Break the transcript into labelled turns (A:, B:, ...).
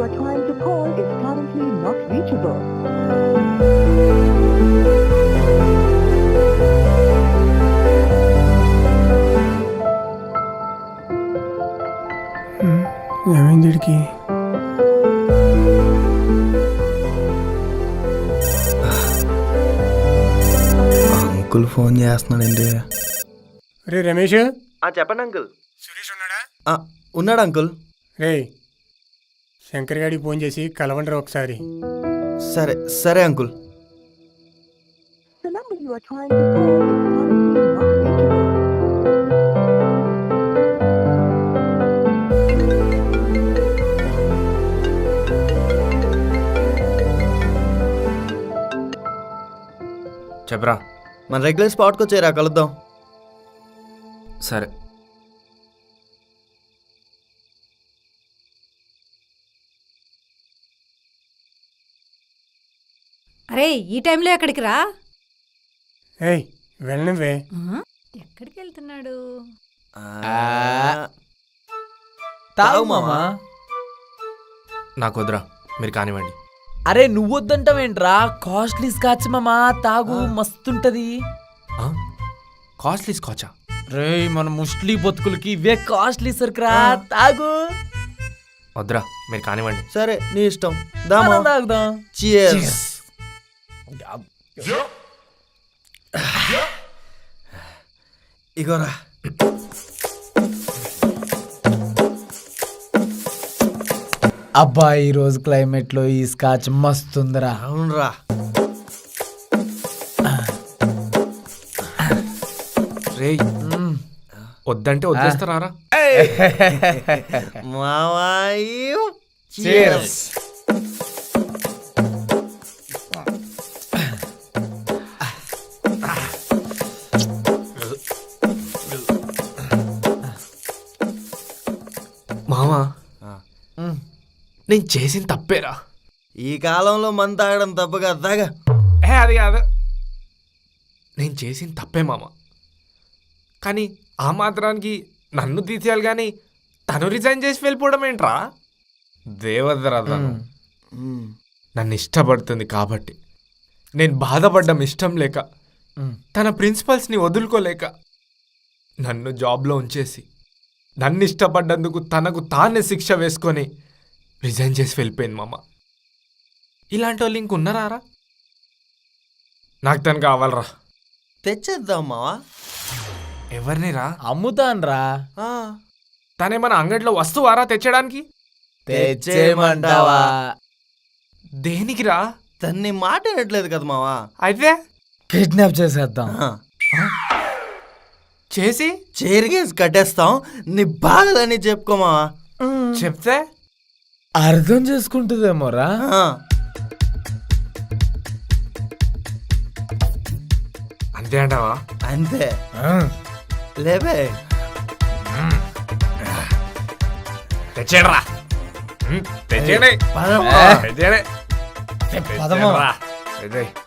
A: are trying to call is currently not reachable.
B: ఏమైంది వీడికి?
C: Uncle phone చేస్తున్నాడండి.
B: రే రమేష్,
C: చెప్పండి అంకుల్.
B: సురేష్ ఉన్నాడా?
C: ఉన్నాడు అంకుల్.
B: రే శంకర్ గారికి ఫోన్ చేసి కలవండి ఒకసారి.
C: సరే సరే uncle.
A: The number you are trying to call is currently not reachable.
D: చెప్పరా.
C: మన రెగ్యులర్ స్పాట్కి వచ్చేరా, కలుద్దాం.
D: సరే.
E: అరే ఈ టైంలో ఎక్కడికి రా?
B: ఏయ్ వెళ్ళనివే.
E: ఎక్కడికి వెళ్తున్నాడు?
F: తాగు మామా.
D: నాకు వద్దురా, మీరు కానివ్వండి.
F: అరే నువ్వొద్దంటావేంట్రా? కాస్ట్లీ స్కాచ్ మామా, తాగు మస్తుంటది.
D: కాస్ట్లీ స్కాచా?
F: రే మన ముస్లిం బతుకులకి ఇవే కాస్ట్లీ సరుకురా, తాగు.
D: వద్దురా, మీరు కానివ్వండి.
C: సరే నీ ఇష్టం. దామా
F: తాగుదాం.
C: Cheers. ఇగోరా.
F: అబ్బా ఈ రోజు క్లైమేట్ లో ఈ స్కాచ్ మస్తుందిరా.
C: అవునరా.
D: రేయ్ వద్దంటే వదిలేస్తారా?
C: మావాయు.
F: Cheers.
D: మామా నేను చేసిన తప్పేరా.
C: ఈ కాలంలో మందు తాగడం తప్పు కదా. తాగా.
D: అది కాదు, నేను చేసిన తప్పే మామ. కానీ ఆ మాత్రానికి నన్ను తీసేయాలి కానీ తను రిజైన్ చేసి వెళ్ళిపోవడం ఏంట్రా? దేవదరా తను నన్ను ఇష్టపడుతుంది కాబట్టి నేను బాధపడ్డం ఇష్టం లేక, తన ప్రిన్సిపల్స్ని వదులుకోలేక నన్ను జాబ్లో ఉంచేసి నన్ను ఇష్టపడ్డందుకు తనకు తానే శిక్ష వేసుకొని రిజైన్ చేసి వెళ్ళిపోయింది మామ. ఇలాంటి వాళ్ళు ఇంకున్నారా? నాకు తను కావాలరా.
C: తెచ్చేద్దాం మావా.
D: ఎవరిని రా?
F: అమ్ముతాన్రా.
D: తనేమన్నా అంగడిలో వస్తువారా తెచ్చడానికి?
F: తెచ్చేయమంటావా?
D: దేనికి రా?
C: తన్ని మాట వినట్లేదు కదా మావా.
D: అయితే
F: కిడ్నాప్ చేసేద్దాం.
D: చేసి
C: చేరిగేసి కట్టేస్తాం. నీ బాధలని చెప్పుకో మావా.
D: చెప్తే
F: అర్థం చేసుకుంటుందేమోరా.
D: అంతే అంటావా?
C: అంతే లేవే.
D: తెచ్చేయరా. తెచ్చేయండి.
C: పదమ్మా.
D: తెచ్చేయండి.
F: పదమ్మా.
D: తెచ్చేయ్.